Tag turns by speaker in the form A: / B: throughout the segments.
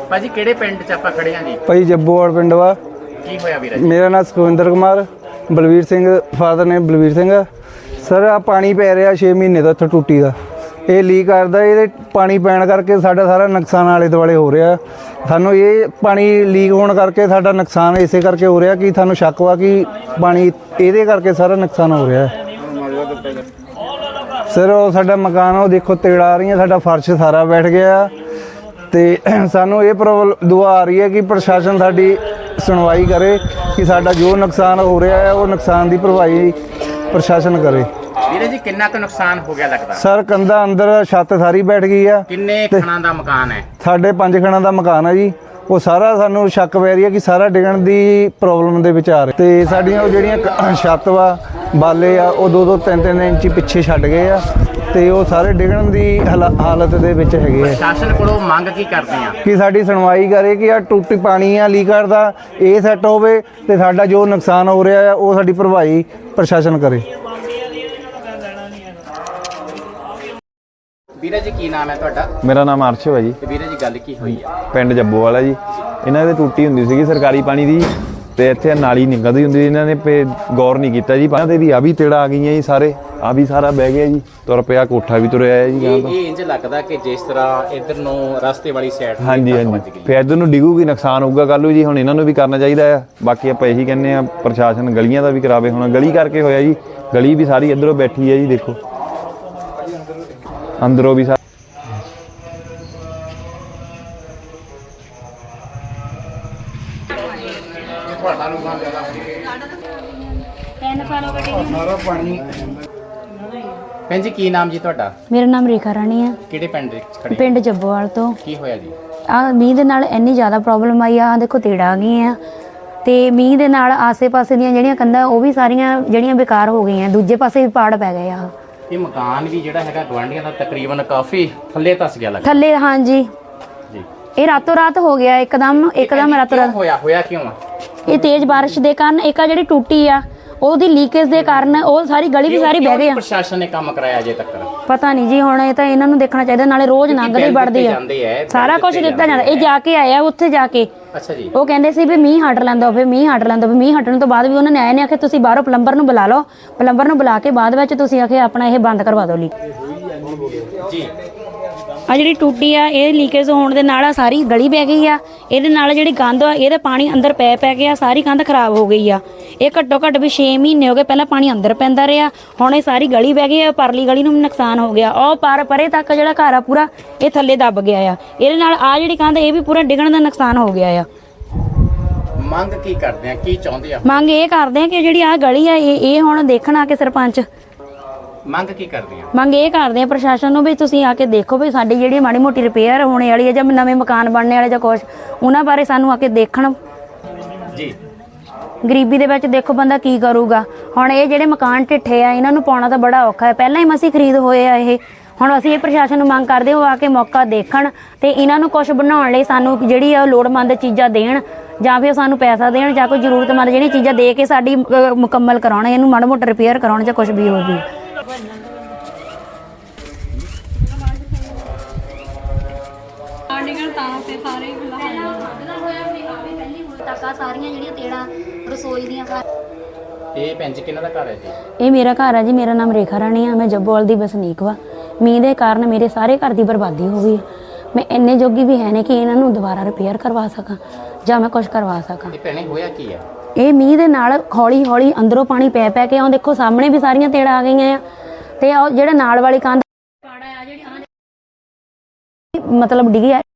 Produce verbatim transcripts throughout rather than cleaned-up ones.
A: ਭਾਜੀ ਕਿਹੜੇ ਪਿੰਡ ਚ ਆਪਾਂ ਖੜੇ ਆਂ ਜੀ?
B: ਭਾਈ ਜੱਬੋਵਾਲ ਪਿੰਡ ਵਾ।
A: ਕੀ ਹੋਇਆ ਵੀਰ?
B: ਮੇਰਾ ਨਾਮ ਸੁਖਵਿੰਦਰ ਕੁਮਾਰ, ਬਲਵੀਰ ਸਿੰਘ ਫਾਦਰ ਨੇ ਬਲਵੀਰ ਸਿੰਘ। ਸਰ ਆ ਪਾਣੀ ਪੈ ਰਿਹਾ ਛੇ ਮਹੀਨੇ ਤੋਂ ਇੱਥੇ ਟੂਟੀ ਦਾ, ਇਹ ਲੀਕ ਕਰਦਾ। ਇਹਦੇ ਪਾਣੀ ਪੈਣ ਕਰਕੇ ਸਾਡਾ ਸਾਰਾ ਨੁਕਸਾਨ ਆਲੇ ਦੁਆਲੇ ਹੋ ਰਿਹਾ। ਸਾਨੂੰ ਇਹ ਪਾਣੀ ਲੀਕ ਹੋਣ ਕਰਕੇ ਸਾਡਾ ਨੁਕਸਾਨ ਇਸੇ ਕਰਕੇ ਹੋ ਰਿਹਾ ਕਿ ਸਾਨੂੰ ਸ਼ੱਕ ਵਾ ਕਿ ਪਾਣੀ ਇਹਦੇ ਕਰਕੇ ਸਾਰਾ ਨੁਕਸਾਨ ਹੋ ਰਿਹਾ। ਸਰ ਉਹ ਸਾਡਾ ਮਕਾਨ ਉਹ ਦੇਖੋ ਤੇੜਾ ਆ ਰਹੀਆਂ, ਸਾਡਾ ਫਰਸ਼ ਸਾਰਾ ਬੈਠ ਗਿਆ। ਤੇ ਸਾਨੂੰ ਇਹ ਪ੍ਰੋਬਲਮ ਦੁਆ ਆ ਰਹੀ ਹੈ ਕਿ ਪ੍ਰਸ਼ਾਸਨ ਸਾਡੀ ਸੁਣਵਾਈ ਕਰੇ ਕਿ ਸਾਡਾ ਜੋ ਨੁਕਸਾਨ ਹੋ ਰਿਹਾ ਹੈ ਉਹ ਨੁਕਸਾਨ ਦੀ ਭਰਪਾਈ ਪ੍ਰਸ਼ਾਸਨ ਕਰੇ।
A: ਵੀਰੇ ਜੀ ਕਿੰਨਾ ਕੁ ਨੁਕਸਾਨ ਹੋ ਗਿਆ ਲੱਗਦਾ?
B: ਸਰ ਕੰਧਾਂ ਅੰਦਰ ਛੱਤ ਸਾਰੀ ਬੈਠ ਗਈ ਆ।
A: ਕਿੰਨੇ ਖਣਾਂ ਦਾ ਮਕਾਨ ਹੈ?
B: ਸਾਡੇ ਪੰਜ ਖਣਾਂ ਦਾ ਮਕਾਨ ਹੈ ਜੀ। ਉਹ ਸਾਰਾ ਸਾਨੂੰ ਸ਼ੱਕ ਪੈ ਰਹੀ ਹੈ ਕਿ ਸਾਰਾ ਡਿੱਗਣ ਦੀ ਪ੍ਰੋਬਲਮ ਦੇ ਵਿੱਚ ਆ ਰਿਹਾ। ਤੇ ਸਾਡੀਆਂ ਉਹ ਜਿਹੜੀਆਂ ਛੱਤ ਵਾ ਬਾਲੇ ਆ ਉਹ ਦੋ ਦੋ ਤਿੰਨ ਤਿੰਨ ਇੰਚ ਪਿੱਛੇ ਛੱਡ ਗਏ ਆ ਤੇ ਉਹ ਸਾਰੇ ਡਿੱਗਣ ਦੀ ਹਾਲਤ ਦੇ ਵਿੱਚ ਹੈਗੇ ਆ।
A: ਪ੍ਰਸ਼ਾਸਨ ਕੋਲੋਂ ਮੰਗ ਕੀ ਕਰਦੇ ਆ? ਕਿ
B: ਸਾਡੀ ਸੁਣਵਾਈ ਕਰੇ ਕਿ ਆ ਟੁੱਟੀ ਪਾਣੀ ਆ ਲੀਕ ਕਰਦਾ, ਇਹ ਸੈੱਟ ਹੋਵੇ ਤੇ ਸਾਡਾ ਜੋ ਨੁਕਸਾਨ ਹੋ ਰਿਹਾ ਆ ਉਹ ਸਾਡੀ ਭਰਪਾਈ ਪ੍ਰਸ਼ਾਸਨ ਕਰੇ।
A: ਵੀਰੇ ਜੀ ਕੀ ਨਾਮ ਹੈ ਤੁਹਾਡਾ?
C: ਮੇਰਾ ਨਾਮ ਅਰਸ਼ ਹੈ ਜੀ।
A: ਤੇ ਵੀਰੇ ਜੀ ਗੱਲ ਕੀ ਹੋਈ ਆ?
C: ਪਿੰਡ ਜੱਬੋਵਾਲ ਹੈ ਜੀ। ਇਹਨਾਂ ਦੇ ਟੂਟੀ ਹੁੰਦੀ ਸੀਗੀ ਸਰਕਾਰੀ ਪਾਣੀ ਦੀ ਤੇ ਇੱਥੇ ਨਾਲੀ ਨਿਕਲਦੀ ਹੁੰਦੀ ਸੀ। ਇਹਨਾਂ ਨੇ ਪੇ ਗੌਰ ਨਹੀਂ ਕੀਤਾ ਜੀ। ਇਹਨਾਂ ਦੇ ਵੀ ਆ ਵੀ ਤੇੜਾ ਆ ਗਈਆਂ ਜੀ, ਸਾਰੇ ਆ ਵੀ ਸਾਰਾ ਬਹਿ ਗਿਆ ਜੀ, ਤੁਰ ਪਿਆ, ਕੋਠਾ ਵੀ ਤੁਰਿਆ ਹੈ ਜੀ।
A: ਇਹ ਇਹ ਇੰਜ ਲੱਗਦਾ ਕਿ ਜਿਸ ਤਰ੍ਹਾਂ ਇਧਰ ਨੂੰ ਰਸਤੇ ਵਾਲੀ ਸਾਈਡ
C: ਹਾਂਜੀ ਹਾਂਜੀ ਫਿਰ ਇਧਰ ਨੂੰ ਡਿੱਗੂਗੀ, ਨੁਕਸਾਨ ਹੋਊਗਾ ਕੱਲ੍ਹ ਨੂੰ ਜੀ। ਹੁਣ ਇਹਨਾਂ ਨੂੰ ਵੀ ਕਰਨਾ ਚਾਹੀਦਾ ਆ। ਬਾਕੀ ਆਪਾਂ ਇਹੀ ਕਹਿੰਦੇ ਆ ਪ੍ਰਸ਼ਾਸਨ ਗਲੀਆਂ ਦਾ ਵੀ ਕਰਾਵੇ। ਹੁਣ ਗਲੀ ਕਰਕੇ ਹੋਇਆ ਜੀ, ਗਲੀ ਵੀ ਸਾਰੀ ਇੱਧਰੋਂ ਬੈਠੀ ਹੈ ਜੀ, ਦੇਖੋ ਅੰਦਰੋਂ ਵੀ
B: ਸਾਰਾ ਪਾਣੀ।
A: ਭੈਣ ਜੀ ਕੀ ਨਾਮ ਜੀ ਤੁਹਾਡਾ?
D: ਮੇਰਾ ਨਾਮ ਰੇਖਾ ਰਾਣੀ ਹੈ।
A: ਕਿਹੜੇ ਪਿੰਡ ਦੇ ਖੜੇ?
D: ਪਿੰਡ ਜੱਬੋਵਾਲ ਤੋਂ।
A: ਕੀ ਹੋਇਆ ਜੀ?
D: ਆ ਮੀਂਹ ਦੇ ਨਾਲ ਇੰਨੀ ਜ਼ਿਆਦਾ ਪ੍ਰੋਬਲਮ ਆਈ ਆ, ਦੇਖੋ ਤੇੜਾ ਆ ਗਈਆਂ ਤੇ ਮੀਂਹ ਦੇ ਨਾਲ ਆਸੇ-ਪਾਸੇ ਦੀਆਂ ਜਿਹੜੀਆਂ ਕੰਧਾਂ ਉਹ ਵੀ ਸਾਰੀਆਂ ਜਿਹੜੀਆਂ ਬੇਕਾਰ ਹੋ ਗਈਆਂ, ਦੂਜੇ ਪਾਸੇ ਵੀ ਪਾੜ ਪੈ ਗਏ ਆ।
A: ਇਹ ਮਕਾਨ ਵੀ ਜਿਹੜਾ ਹੈਗਾ ਗਵਾਂਢੀਆਂ ਦਾ ਤਕਰੀਬਨ ਕਾਫੀ ਥੱਲੇ ਧੱਸ ਗਿਆ ਲੱਗਦਾ।
D: ਥੱਲੇ ਹਾਂਜੀ
A: ਜੀ।
D: ਇਹ ਰਾਤੋਂ ਰਾਤ ਹੋ ਗਿਆ, ਇੱਕਦਮ ਇੱਕਦਮ ਰਾਤੋਂ ਰਾਤ
A: ਹੋਇਆ। ਹੋਇਆ ਕਿਉਂ ਆ?
D: ਇਹ ਤੇਜ਼ ਬਾਰਿਸ਼ ਦੇ ਕਾਰਨ ਇੱਕ ਆ ਜਿਹੜੀ ਟੂਟੀ ਆ ਉਹਦੀ ਲੀਕੇਜ ਦੇ ਕਾਰਨ ਉਹ ਸਾਰੀ ਗਲੀ ਵੀ ਸਾਰੀ ਬਹਿ ਗਈ ਆ।
A: ਪ੍ਰਸ਼ਾਸਨ ਨੇ ਕੰਮ ਕਰਾਇਆ ਅਜੇ ਤੱਕ?
D: ਪਤਾ ਨਹੀਂ ਜੀ, ਹੁਣ ਇਹ ਤਾਂ ਇਹਨਾਂ ਨੂੰ ਦੇਖਣਾ ਚਾਹੀਦਾ। ਨਾਲੇ ਰੋਜ਼ ਲੰਘਦੇ ਵੜਦੇ ਆ, ਸਾਰਾ ਕੁਝ ਦਿੱਤਾ ਜਾਂਦਾ। ਇਹ ਜਾ ਕੇ ਆਇਆ ਉੱਥੇ ਜਾ ਕੇ।
A: ਅੱਛਾ ਜੀ।
D: ਉਹ ਕਹਿੰਦੇ ਸੀ ਵੀ ਮੀਂਹ ਹਟ ਲੈਂਦਾ ਹੋਵੇ, ਮੀਂਹ ਹਟ ਲੈਂਦਾ ਹੋਵੇ। ਮੀਂਹ ਹਟਣ ਤੋਂ ਬਾਅਦ ਵੀ ਉਹਨਾਂ ਨੇ ਆਏ ਨੇ ਆਖਿਆ ਤੁਸੀਂ ਬਾਹਰੋਂ ਪਲੰਬਰ ਨੂੰ ਬੁਲਾ ਲਓ। ਪਲੰਬਰ ਨੂੰ ਬੁਲਾ ਕੇ ਬਾਅਦ ਵਿੱਚ ਤੁਸੀਂ ਆਖਿਆ ਆਪਣਾ ਇਹ ਬੰਦ ਕਰਵਾ ਦਿਓ ਲੀਕ
A: ਜੀ।
D: ਆ ਜਿਹੜੀ ਟੂਟੀ ਆ ਇਹ ਲੀਕੇਜ ਹੋਣ ਦੇ ਨਾਲ ਆ ਸਾਰੀ ਗਲੀ ਬਹਿ ਗਈ ਆ। ਇਹਦੇ ਨਾਲ ਜਿਹੜੀ ਕੰਧ ਆ ਇਹਦਾ ਪਾਣੀ ਅੰਦਰ ਪੈ ਪੈ ਗਿਆ, ਸਾਰੀ ਕੰਧ ਖਰਾਬ ਹੋ ਗਈ ਆ। ਇਹ ਘੱਟੋ ਘੱਟ ਵੀ ਛੇ ਮਹੀਨੇ ਹੋ ਗਏ, ਪਹਿਲਾਂ ਪਾਣੀ ਅੰਦਰ ਪੈਂਦਾ ਰਿਹਾ, ਹੁਣ ਇਹ ਸਾਰੀ ਗਲੀ ਬਹਿ ਗਈ ਆ। ਪਰਲੀ ਗਲੀ ਨੂੰ ਨੁਕਸਾਨ ਹੋ ਗਿਆ। ਉਹ ਪਰ ਪਰੇ ਤੱਕ ਜਿਹੜਾ ਘਰ ਆ ਪੂਰਾ ਇਹ ਥੱਲੇ ਦੱਬ ਗਿਆ ਆ। ਇਹਦੇ ਨਾਲ ਆ ਜਿਹੜੀ ਕੰਧ ਇਹ ਵੀ ਪੂਰਾ ਡਿੱਗਣ ਦਾ ਨੁਕਸਾਨ ਹੋ ਗਿਆ ਆ।
A: ਮੰਗ ਕੀ ਕਰਦੇ ਆ? ਕੀ ਚਾਹੁੰਦੇ ਆ?
D: ਮੰਗ ਇਹ ਕਰਦੇ ਆ ਕਿ ਜਿਹੜੀ ਆ ਗਲੀ ਆ ਇਹ ਇਹ ਹੁਣ ਦੇਖਣਾ ਕਿ ਸਰਪੰਚ
A: ਮੰਗ ਕੀ ਕਰਦੇ ਆ?
D: ਮੰਗ ਇਹ ਕਰਦੇ ਆ ਪ੍ਰਸ਼ਾਸਨ ਨੂੰ ਵੀ ਤੁਸੀਂ ਆ ਕੇ ਦੇਖੋ ਵੀ ਸਾਡੀ ਜਿਹੜੀ ਮਾੜੀ ਮੋਟੀ ਰਿਪੇਅਰ ਹੋਣੇ ਵਾਲੀ ਹੈ ਜਾਂ ਨਵੇਂ ਮਕਾਨ ਬਣਨੇ ਵਾਲੇ ਜਾਂ ਕੁਛ, ਉਹਨਾਂ ਬਾਰੇ ਸਾਨੂੰ ਆ ਕੇ ਦੇਖਣ
A: ਜੀ।
D: ਗਰੀਬੀ ਦੇ ਵਿੱਚ ਦੇਖੋ ਬੰਦਾ ਕੀ ਕਰੂਗਾ। ਹੁਣ ਇਹ ਜਿਹੜੇ ਮਕਾਨ ਢਿੱਠੇ ਆ ਇਹਨਾਂ ਨੂੰ ਪਾਉਣਾ ਤਾਂ ਬੜਾ ਔਖਾ ਹੈ। ਪਹਿਲਾਂ ਹੀ ਮਸੀਂ ਖਰੀਦ ਹੋਏ ਆ ਇਹ। ਹੁਣ ਅਸੀਂ ਇਹ ਪ੍ਰਸ਼ਾਸਨ ਨੂੰ ਮੰਗ ਕਰਦੇ ਹੋ ਆ ਕੇ ਮੌਕਾ ਦੇਖਣ ਤੇ ਇਹਨਾਂ ਨੂੰ ਕੁਛ ਬਣਾਉਣ ਲਈ ਸਾਨੂੰ ਜਿਹੜੀ ਆ ਲੋੜਵੰਦ ਚੀਜ਼ਾਂ ਦੇਣ ਜਾਂ ਫਿਰ ਸਾਨੂੰ ਪੈਸਾ ਦੇਣ ਜਾਂ ਕੋਈ ਜ਼ਰੂਰਤਮੰਦ ਜਿਹੜੀ ਚੀਜ਼ਾਂ ਦੇ ਕੇ ਸਾਡੀ ਮੁਕੰਮਲ ਕਰਾਉਣ, ਇਹਨੂੰ ਮਾੜਾ ਮੋਟਾ ਰਿਪੇਅਰ ਕਰਾਉਣ ਜਾਂ ਕੁਛ ਵੀ ਹੋਵੇ। ਸਾਰੀਆਂ ਜਿਹੜੀਆਂ ਤੇੜਾਂ ਰਸੋਈ ਦੀਆਂ।
A: ਇਹ ਭੈਣ ਜੀ ਕਿਹਨਾਂ ਦਾ ਘਰ ਹੈ ਜੀ?
D: ਇਹ ਮੇਰਾ ਘਰ ਹੈ ਜੀ। ਮੇਰਾ ਨਾਮ ਰੇਖਾ ਰਾਣੀ ਆ। ਮੈਂ ਜੱਬੋਵਾਲ ਦੀ ਵਸਨੀਕ ਵਾ। ਮੀਂਹ ਦੇ ਕਾਰਨ ਮੇਰੇ ਸਾਰੇ ਘਰ ਦੀ ਬਰਬਾਦੀ ਹੋ ਗਈ। ਮੈਂ ਇੰਨੇ ਜੋਗੀ ਵੀ ਹੈ ਨਹੀਂ ਕਿ ਇਹਨਾਂ ਨੂੰ ਦੁਬਾਰਾ ਰਿਪੇਅਰ ਕਰਵਾ ਸਕਾਂ ਜਾਂ ਮੈਂ ਕੁਝ ਕਰਵਾ ਸਕਾਂ।
A: ਇਹ ਭੈਣੇ ਹੋਇਆ ਕੀ ਹੈ?
D: ਇਹ ਮੀਂਹ ਦੇ ਨਾਲ ਹੌਲੀ ਹੌਲੀ ਅੰਦਰੋਂ ਪਾਣੀ ਪੈ ਪੈ ਕੇ, ਉਹ ਦੇਖੋ ਸਾਹਮਣੇ ਵੀ ਸਾਰੀਆਂ ਤੇੜਾਂ ਆ ਗਈਆਂ ਆ ਤੇ ਉਹ ਜਿਹੜਾ ਨਾਲ ਵਾਲੀ ਕੰਧ ਪਾੜਾ ਆ ਜਿਹੜੀ ਮਤਲਬ ਡਿੱਗੀ ਆ।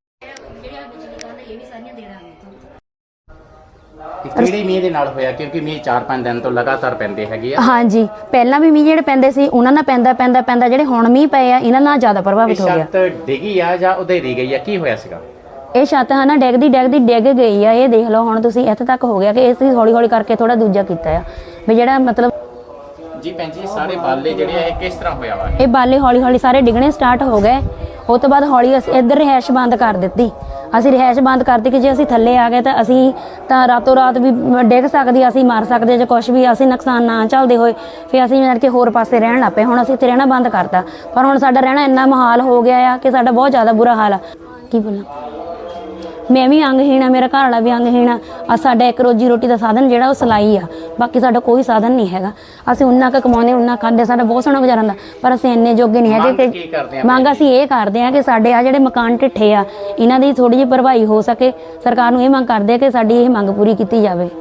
A: ਕਿਹੜੇ ਮੀਂਹ ਦੇ ਨਾਲ ਹੋਇਆ? ਕਿਉਂਕਿ ਮੀਂਹ ਚਾਰ ਪੰਜ ਦਿਨ ਤੋਂ ਲਗਾਤਾਰ ਪੈਂਦੇ ਹੈਗੇ ਆ।
D: ਹਾਂਜੀ, ਪਹਿਲਾਂ ਵੀ ਮੀਂਹ ਜਿਹੜੇ ਪੈਂਦੇ ਸੀ ਉਹਨਾਂ ਨਾਲ ਪੈਂਦਾ ਪੈਂਦਾ ਪੈਂਦਾ ਜਿਹੜੇ ਹੁਣ ਮੀਂਹ ਪਏ ਆ ਇਹਨਾਂ ਨਾਲ ਜ਼ਿਆਦਾ ਪ੍ਰਭਾਵਿਤ ਹੋ ਗਿਆ।
A: ਛੱਤ ਡਿੱਗੀ ਆ ਜਾਂ ਉਧੇਰੀ ਗਈ ਆ? ਕੀ ਹੋਇਆ ਸੀਗਾ?
D: ਇਹ ਛੱਤ ਹੈ ਨਾ ਡਿੱਗਦੀ ਡਿੱਗਦੀ ਡਿੱਗ ਗਈ ਆ। ਇਹ ਦੇਖ ਲਓ ਹੁਣ ਤੁਸੀਂ ਇੱਥੇ ਤੱਕ ਹੋ ਗਿਆ ਕਿ ਇਸ ਹੌਲੀ ਹੌਲੀ ਕਰਕੇ ਥੋੜਾ ਦੂਜਾ ਕੀਤਾ ਆ ਵੀ ਜਿਹੜਾ ਮਤਲਬ
A: ਜੀ। ਭੈਣ ਜੀ ਸਾਰੇ ਬਾਲੇ ਜਿਹੜੇ ਆ ਇਹ ਕਿਸ ਤਰ੍ਹਾਂ ਹੋਇਆ ਵਾ?
D: ਇਹ ਬਾਲੇ ਹੌਲੀ ਹੌਲੀ ਸਾਰੇ ਡਿੱਗਣੇ ਸਟਾਰਟ ਹੋ ਗਏ। ਉਹ ਤੋਂ ਬਾਅਦ ਹੌਲੀ ਅਸੀਂ ਇੱਧਰ ਰਿਹਾਇਸ਼ ਬੰਦ ਕਰ ਦਿੱਤੀ। ਅਸੀਂ ਰਿਹਾਇਸ਼ ਬੰਦ ਕਰਤੀ ਕਿ ਜੇ ਅਸੀਂ ਥੱਲੇ ਆ ਗਏ ਤਾਂ ਅਸੀਂ ਤਾਂ ਰਾਤੋਂ ਰਾਤ ਵੀ ਡਿੱਗ ਸਕਦੀ, ਅਸੀਂ ਮਰ ਸਕਦੇ ਜੇ ਕੁਛ ਵੀ ਅਸੀਂ ਨੁਕਸਾਨ ਨਾ ਝੱਲਦੇ ਹੋਏ ਫਿਰ ਅਸੀਂ ਯਾਨੀ ਕਿ ਹੋਰ ਪਾਸੇ ਰਹਿਣ ਲੱਗ ਪਏ। ਹੁਣ ਅਸੀਂ ਇੱਥੇ ਰਹਿਣਾ ਬੰਦ ਕਰਤਾ। ਪਰ ਹੁਣ ਸਾਡਾ ਰਹਿਣਾ ਇੰਨਾ ਮੁਹਾਲ ਹੋ ਗਿਆ ਆ ਕਿ ਸਾਡਾ ਬਹੁਤ ਜ਼ਿਆਦਾ ਬੁਰਾ ਹਾਲ ਆ। ਕੀ ਬੋਲਾਂ ਮੈਂ ਵੀ ਅੰਗਹੀਣ ਆ, ਮੇਰਾ ਘਰ ਵਾਲਾ ਵੀ ਅੰਗਹੀਣ ਆ। ਆ ਸਾਡਾ ਇੱਕ ਰੋਜੀ ਰੋਟੀ ਦਾ ਸਾਧਨ ਜਿਹੜਾ ਉਹ ਸਿਲਾਈ ਆ, ਬਾਕੀ ਸਾਡਾ ਕੋਈ ਸਾਧਨ ਨਹੀਂ ਹੈਗਾ। ਅਸੀਂ ਉਨਾ ਕੁ ਕਮਾਉਂਦੇ ਉਨਾ ਖਾਂਦੇ, ਸਾਡਾ ਬਹੁਤ ਸੋਹਣਾ ਗੁਜ਼ਾਰਾ ਹੁੰਦਾ, ਪਰ ਅਸੀਂ ਇੰਨੇ ਜੋਗੇ ਨਹੀਂ ਹੈਗੇ
A: ਕੀ ਕਰਦੇ
D: ਕਿ
A: ਆ?
D: ਮੰਗ ਅਸੀਂ ਇਹ ਕਰਦੇ ਆ ਕਿ ਸਾਡੇ ਆ ਜਿਹੜੇ ਮਕਾਨ ਢਿੱਠੇ ਆ ਇਹਨਾਂ ਦੀ ਥੋੜੀ ਜਿਹੀ ਭਰਵਾਈ ਹੋ ਸਕੇ। ਸਰਕਾਰ ਨੂੰ ਇਹ ਮੰਗ ਕਰਦੇ ਆ ਕਿ ਸਾਡੀ ਇਹ ਮੰਗ ਪੂਰੀ ਕੀਤੀ ਜਾਵੇ।